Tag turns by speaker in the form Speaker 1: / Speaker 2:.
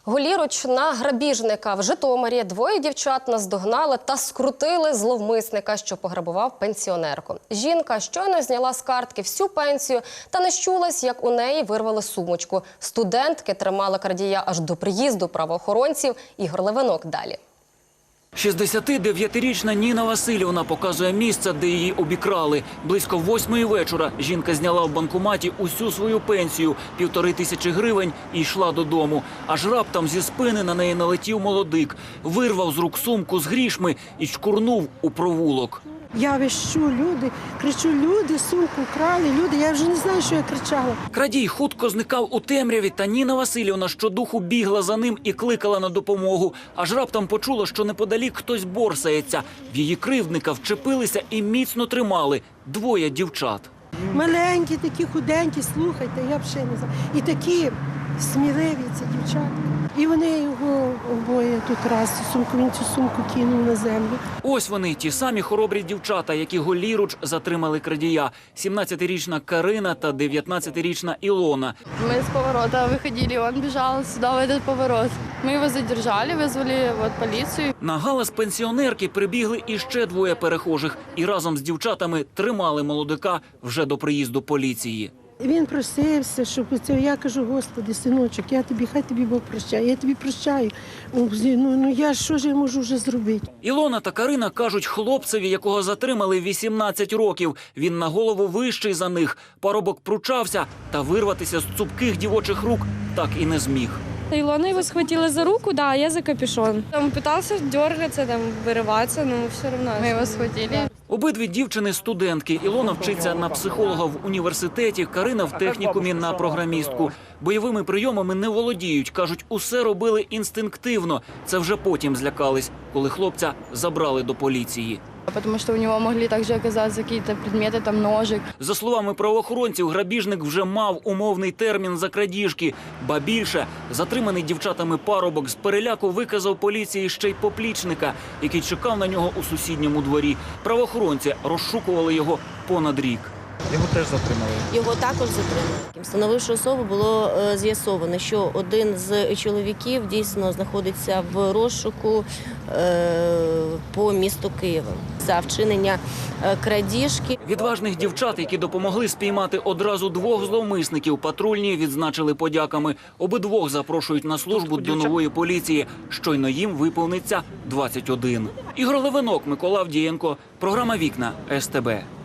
Speaker 1: Голіруч на грабіжника. В Житомирі двоє дівчат наздогнали та скрутили зловмисника, що пограбував пенсіонерку. Жінка щойно зняла з картки всю пенсію та не щулась, як у неї вирвали сумочку. Студентки тримали крадія аж до приїзду правоохоронців. Ігор Левинок далі.
Speaker 2: 69-річна Ніна Васильівна показує місце, де її обікрали. Близько 8-ї вечора жінка зняла в банкоматі усю свою пенсію – 1500 гривень і йшла додому. Аж раптом зі спини на неї налетів молодик, вирвав з рук сумку з грішми і чкурнув у провулок.
Speaker 3: Я вищу, люди, кричу, люди, сумку вкрали, люди, я вже не знаю, що я кричала.
Speaker 2: Крадій хутко зникав у темряві, та Ніна Васильівна щодуху бігла за ним і кликала на допомогу. Аж раптом почула, що неподалік хтось борсається. В її кривдника вчепилися і міцно тримали двоє дівчат.
Speaker 3: Маленькі, такі худенькі, слухайте, я взагалі не знаю. І такі сміливі ці дівчатка. І вони його обоє тут раз, він цю сумку кинув на землю.
Speaker 2: Ось вони, ті самі хоробрі дівчата, які голіруч затримали крадія. 17-річна Карина та 19-річна Ілона.
Speaker 4: Мы с поворота выходили, он бежал сюда, в этот поворот. Мы его задержали, вызвали полицию.
Speaker 2: На галас пенсіонерки прибігли іще двоє перехожих і разом з дівчатами тримали молодика вже до приїзду поліції.
Speaker 3: Він просився, щоб це, я кажу, Господи, синочок, хай тобі Бог прощає, я тобі прощаю. Що ж я можу вже зробити?
Speaker 2: Ілона та Карина кажуть хлопцеві, якого затримали 18 років. Він на голову вищий за них. Парубок пручався, та вирватися з цупких дівочих рук так і не зміг.
Speaker 5: Илона его схватила за руку, да, а я за капюшон. Он пытался дергаться, вырываться, но все равно.
Speaker 4: Мы его схватили.
Speaker 2: Обидві дівчини – студентки. Ілона вчиться на психолога в університеті, Карина в технікумі на програмістку. Бойовими прийомами не володіють. Кажуть, усе робили інстинктивно. Це вже потім злякались, коли хлопця забрали до поліції.
Speaker 4: Потому что у него могли также оказаться какие-то предметы, там ножик.
Speaker 2: За словами правоохоронців, грабіжник вже мав умовний термін за крадіжки. Ба більше, затриманий дівчатами парубок з переляку виказав поліції ще й поплічника, який чекав на нього у сусідньому дворі. Правоохоронці розшукували його понад рік.
Speaker 6: Його теж затримали?
Speaker 7: Його також затримали. Встановивши особу, було з'ясовано, що один з чоловіків дійсно знаходиться в розшуку по місту Києва за вчинення крадіжки.
Speaker 2: Відважних дівчат, які допомогли спіймати одразу двох зловмисників, патрульні відзначили подяками. Обидвох запрошують на службу до нової поліції. Щойно їм виповниться 21. Ігор Левинок, Микола Авдієнко. Програма «Вікна» СТБ.